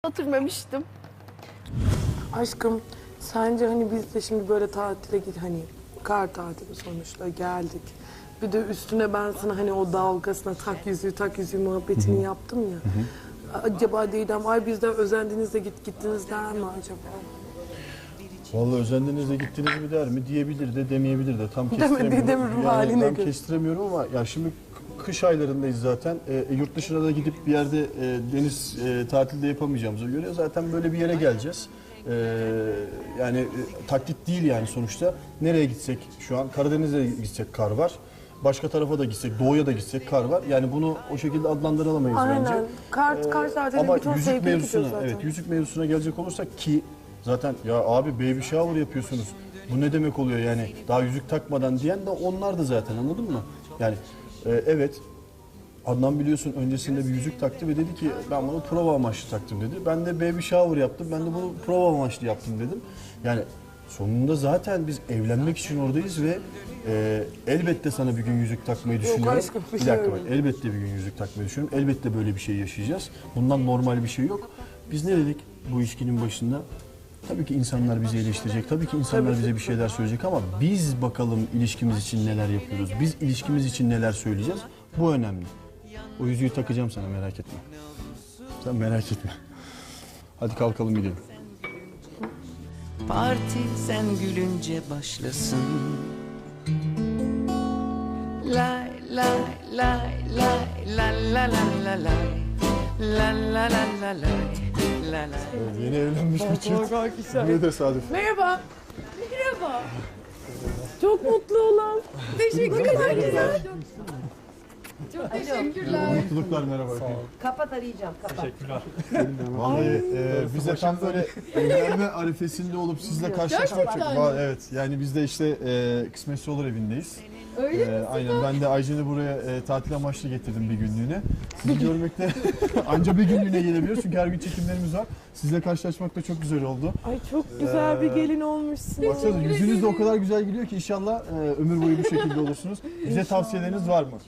Oturmamıştım. Aşkım sence hani biz de şimdi böyle tatile git hani kar tatili sonuçta geldik. Bir de üstüne ben sana hani o dalgasına tak yüzüğü muhabbetini yaptım ya. Acaba Didem ay bizden özendiniz de gittiniz der mi acaba? Vallahi özendiniz de gittiniz mi der mi diyebilir de demeyebilir de tam Demediği kestiremiyorum. ruh haline tam göre. kestiremiyorum ama ya şimdi kış aylarındayız zaten. Yurt dışına da gidip bir yerde deniz tatilde yapamayacağımıza göre zaten böyle bir yere geleceğiz. Yani taklit değil yani sonuçta. Nereye gitsek şu an Karadeniz'e gitsek kar var. Başka tarafa da gitsek, doğuya da gitsek kar var. Yani bunu o şekilde adlandıramayız bence. Aynen. Kar tatili Ama bir ton yüzük sevgili gidiyor mevzusuna, zaten. evet yüzük mevzusuna gelecek olursak ki zaten ya abi baby shower yapıyorsunuz. Bu ne demek oluyor yani daha yüzük takmadan diyen de onlar da zaten anladın mı? Yani evet Adnan biliyorsun öncesinde bir yüzük taktı ve dedi ki ben bunu prova amaçlı taktım dedi. Ben de baby shower yaptım. Ben de bunu prova amaçlı yaptım dedim. Yani sonunda zaten biz evlenmek için oradayız ve elbette sana bir gün yüzük takmayı düşünüyorum. aşkım, bir Bir şey dakika bak, öyle. elbette bir gün yüzük takmayı düşünüyorum. Elbette böyle bir şey yaşayacağız. Bundan normal bir şey yok. Biz ne dedik bu ilişkinin başında? Tabii ki insanlar bizi eleştirecek. Tabii ki insanlar bize bir şeyler söyleyecek ama biz bakalım ilişkimiz için neler yapıyoruz. Biz ilişkimiz için neler söyleyeceğiz. Bu önemli. O yüzüğü takacağım sana merak etme. Sen merak etme. Hadi kalkalım gidelim. Parti sen gülünce başlasın. Lay lay lay lay la la la la lay. La la la la lay. La la. Yeni evlenmiş bir çift. Ne tesadüf. Merhaba. Merhaba. Çok mutlu olan. Teşekkür ederim. Çok teşekkürler. Mutluluklar merhaba. Kapat arayacağım, kapat. Vallahi bize tam böyle evlenme arifesinde olup sizle karşılaşmak çok... Evet yani biz de işte kısmetse olur evindeyiz. Öyle mi? Aynen ben de Aycen'i buraya tatil amaçlı getirdim bir günlüğüne. Sizi görmekte anca bir günlüğüne gelebiliyoruz çünkü her gün çekimlerimiz var. Sizle karşılaşmak da çok güzel oldu. Ay çok güzel bir gelin olmuşsun. Baksanıza yüzünüz de o kadar güzel gülüyor ki inşallah ömür boyu bu şekilde olursunuz. Bize tavsiyeleriniz var mı?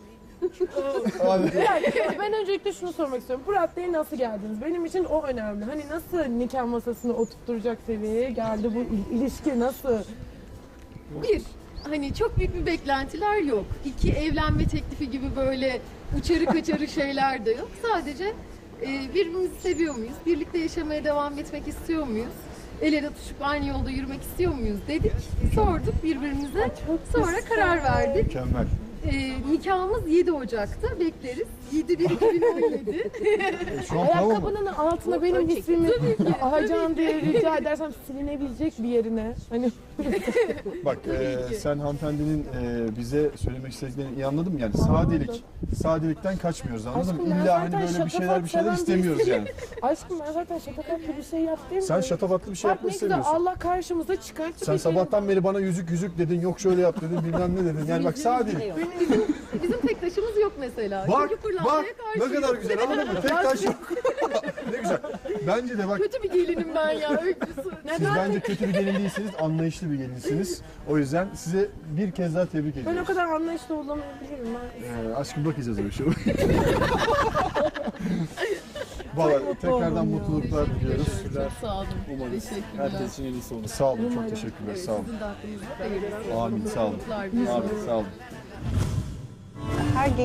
Ben öncelikle şunu sormak istiyorum. Bu raddeye nasıl geldiniz? Benim için o önemli. Hani nasıl nikah masasını oturtturacak seviyeye geldi bu ilişki nasıl? Bir, hani çok büyük bir beklentiler yok. İki, evlenme teklifi gibi böyle uçarı kaçarı şeyler de yok. Sadece birbirimizi seviyor muyuz? Birlikte yaşamaya devam etmek istiyor muyuz? El ele tutuşup aynı yolda yürümek istiyor muyuz dedik. Sorduk birbirimize. Sonra karar verdik. Mükemmel. Nikahımız 7 Ocak'ta. Bekleriz. 7/1/2017. Şu an tamam mı? Ayakkabının altına benim ismimi Aycan diye rica edersem silinebilecek bir yerine. Hani Bak sen hanımefendinin bize söylemek istediklerini iyi anladım yani sadelikten kaçmıyoruz anladın mı? Aşkım, ben İlla hani zaten böyle bir şeyler şatafatçıdan istemiyoruz değilim. yani. aşkım ben zaten şatafatlı bir şey yaptım. Sen şatafatlı bir şey Bak yapmak ne güzel istemiyorsun. Allah karşımıza çıkarttı. Sen bir şey. sabahtan beri bana yüzük dedin, yok şöyle yap dedin, bilmem ne dedin. Yani bak sadelik. Bizim tek taşımız yok mesela. Bak, Çünkü pırlantaya bak karşı. ne kadar güzel anladın mı? Tek taş yok. Ne güzel. Bence de bak Kötü bir gelinim ben ya. Öyküsü. siz bence kötü bir gelin değilsiniz, anlayışlı bir gelinsiniz. O yüzden size bir kez daha tebrik Ben ediyorum. o kadar anlayışlı olamayabilirim ben. Aşkım bakacağız öyle şey. Valla tekrardan mutluluklar diliyoruz. Çok sağ olun. Teşekkürler. Herkes için en iyisi olur. Sağ olun, çok teşekkürler. Sağ olun. Sizin de aklınızda hayırlısı. Amin, sağ olun. Mutluluklar. Amin, sağ olun. Her